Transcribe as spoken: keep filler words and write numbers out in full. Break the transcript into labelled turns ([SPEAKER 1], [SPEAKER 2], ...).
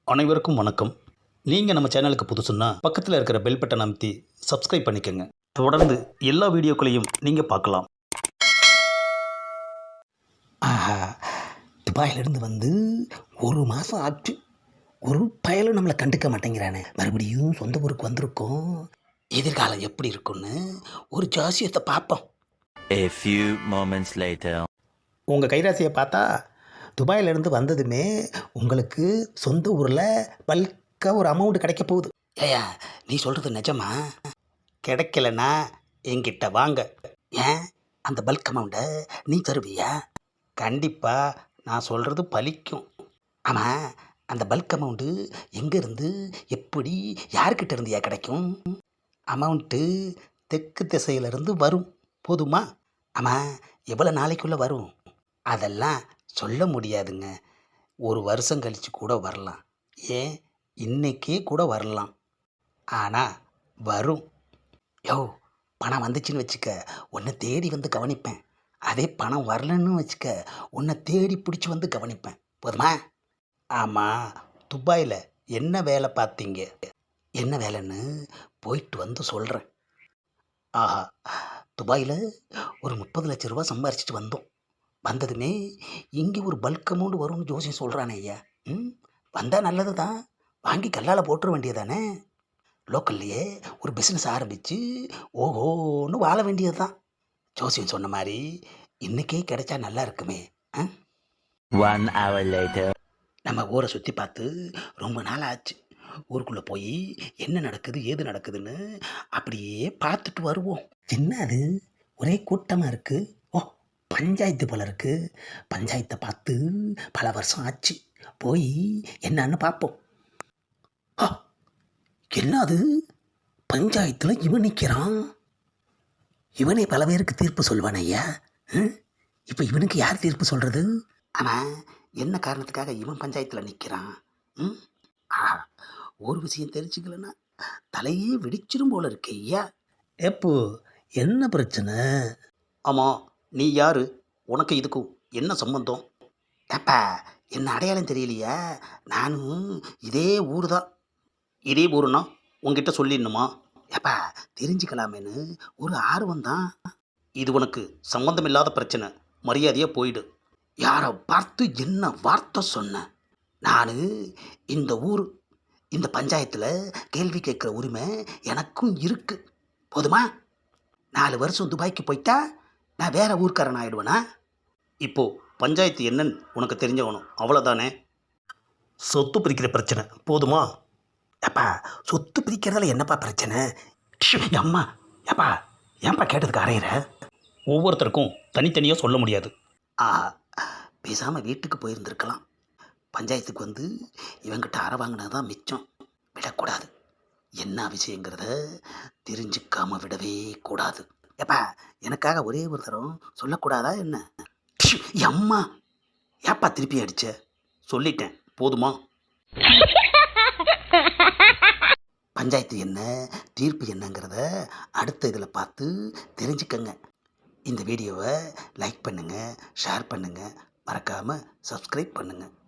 [SPEAKER 1] அனைவருக்கும் வணக்கம். நீங்கள் நம்ம சேனலுக்கு புதுசுன்னா பக்கத்தில் இருக்கிற பெல் பட்டனை அமைத்தி சப்ஸ்கிரைப் பண்ணிக்கோங்க. தொடர்ந்து எல்லா வீடியோக்களையும் நீங்கள் பார்க்கலாம்.
[SPEAKER 2] ஆஹா, துபாயிலிருந்து வந்து ஒரு மாதம் ஆச்சு. ஒரு பயலும் நம்மளை கண்டுக்க மாட்டேங்கிறானே. மறுபடியும் சொந்த ஊருக்கு வந்திருக்கோம். எதிர்காலம் எப்படி இருக்குன்னு ஒரு ஜாசியத்தை பார்ப்போம்.
[SPEAKER 3] A few moments later.
[SPEAKER 2] உங்கள் கைராசியை பார்த்தா துபாயிலிருந்து வந்ததுமே உங்களுக்கு சொந்த ஊரில் பல்காக ஒரு அமௌண்ட் கிடைக்க போகுது. ஏயா, நீ சொல்கிறது நிஜமா? கிடைக்கலன்னா என்கிட்ட வாங்க. ஏன், அந்த பல்க் அமௌண்ட்டை நீ தருவியா? கண்டிப்பாக நான் சொல்கிறது பலிக்கும். ஆமாம், அந்த பல்க் அமௌண்ட்டு எங்கேருந்து, எப்படி, யார்கிட்ட இருந்தியா கிடைக்கும்? அமௌண்ட்டு தெற்கு திசையிலிருந்து வரும். போதுமா? ஆமாம், எவ்வளோ நாளைக்குள்ளே வரும்? அதெல்லாம் சொல்ல முடியாதுங்க. ஒரு வருஷம் கழித்து கூட வரலாம், ஏன் இன்னைக்கே கூட வரலாம். ஆனால் வரும். யோ, பணம் வந்துச்சுன்னு வச்சுக்க, உன்னை தேடி வந்து கவனிப்பேன். அதே பணம் வரலன்னு வச்சுக்க, உன்னை தேடி பிடிச்சி வந்து கவனிப்பேன். போதுமா? ஆமாம், துபாயில் என்ன வேலை பார்த்தீங்க? என்ன வேலைன்னு போயிட்டு வந்து சொல்கிறேன். ஆஹா, துபாயில் ஒரு முப்பது லட்ச ரூபா சம்பாரிச்சிட்டு வந்தோம். வந்ததுமே இங்கே ஒரு பல்க் அமௌண்ட் வரும்னு ஜோசியம் சொல்கிறானே ஐயா. ம் வந்தால் நல்லது தான், வாங்கி கல்லால் போட்டுற வேண்டியதானே. லோக்கல்லையே ஒரு பிஸ்னஸ் ஆரம்பித்து ஓஹோன்னு வாழ வேண்டியது தான். ஜோசியம் சொன்ன மாதிரி இன்றைக்கே கிடைச்சா நல்லா இருக்குமே. ஆ
[SPEAKER 3] One hour later.
[SPEAKER 2] நம்ம ஊரை சுற்றி பார்த்து ரொம்ப நாள் ஆச்சு. ஊருக்குள்ளே போய் என்ன நடக்குது ஏது நடக்குதுன்னு அப்படியே பார்த்துட்டு வருவோம். என்ன அது, ஒரே கூட்டமாக இருக்குது. ஓ, பஞ்சாயத்து போல இருக்குது. பஞ்சாயத்தை பார்த்து பல வருஷம் ஆச்சு. போய் என்னன்னு பார்ப்போம். ஆ, என்ன அது, பஞ்சாயத்தில் இவன் நிற்கிறான். இவனே பல பேருக்கு தீர்ப்பு சொல்வான் ஐயா. இப்போ இவனுக்கு யார் தீர்ப்பு சொல்கிறது? ஆமாம், என்ன காரணத்துக்காக இவன் பஞ்சாயத்தில் நிற்கிறான்? ம் ஆஹா, ஒரு விஷயம் தெரிஞ்சுக்கலன்னா தலையே வெடிச்சிரும் போல இருக்கு ஐயா. எப்போ என்ன பிரச்சனை?
[SPEAKER 1] ஆமாம், நீ யார்? உனக்கு இதுக்கும் என்ன சம்பந்தம்?
[SPEAKER 2] ஏப்பா, என்ன அடையாளம் தெரியலையா? நானும் இதே ஊர் தான்.
[SPEAKER 1] இதே ஊருன்னா உங்ககிட்ட சொல்லிடணுமா?
[SPEAKER 2] ஏப்பா, தெரிஞ்சுக்கலாமேன்னு ஒரு ஆர்வம் தான்.
[SPEAKER 1] இது உனக்கு சம்பந்தம் இல்லாத பிரச்சனை. மரியாதையாக போயிடு.
[SPEAKER 2] யாரை பார்த்து என்ன வார்த்தை சொன்னேன்? நான் இந்த ஊர், இந்த பஞ்சாயத்தில் கேள்வி கேட்குற உரிமை எனக்கும் இருக்குது. போதுமா? நாலு வருஷம் துபாய்க்கு போயிட்டா நான் வேற ஊர்க்காரன் ஆயிடுவேனா?
[SPEAKER 1] இப்போது பஞ்சாயத்து என்னன்னு உனக்கு தெரிஞ்சவனும் அவ்வளோதானே. சொத்து பிரிக்கிற பிரச்சனை. போதுமா?
[SPEAKER 2] ஏப்பா, சொத்து பிரிக்கிறதுல என்னப்பா பிரச்சனை? ஷு, அம்மா, ஏப்பா ஏன்ப்பா கேட்டதுக்கு அறையிற?
[SPEAKER 1] ஒவ்வொருத்தருக்கும் தனித்தனியாக சொல்ல முடியாது.
[SPEAKER 2] ஆஹா, பேசாமல் வீட்டுக்கு போயிருந்துருக்கலாம். பஞ்சாயத்துக்கு வந்து இவங்கிட்ட அறை வாங்கினது தான் மிச்சம். விடக்கூடாது. என்ன விஷயங்கிறத தெரிஞ்சுக்காம விடவே கூடாது. ஏப்பா, எனக்காக ஒரே ஒரு தரம் சொல்லக்கூடாதா என்ன? ஷு, அம்மா, ஏப்பா திருப்பி அடிச்ச?
[SPEAKER 1] சொல்லிட்டேன், போதுமா?
[SPEAKER 2] பஞ்சாயத்து என்ன, தீர்ப்பு என்னங்கிறத அடுத்த இதில் பார்த்து தெரிஞ்சுக்கங்க. இந்த வீடியோவை லைக் பண்ணுங்கள், ஷேர் பண்ணுங்கள், மறக்காமல் சப்ஸ்கிரைப் பண்ணுங்கள்.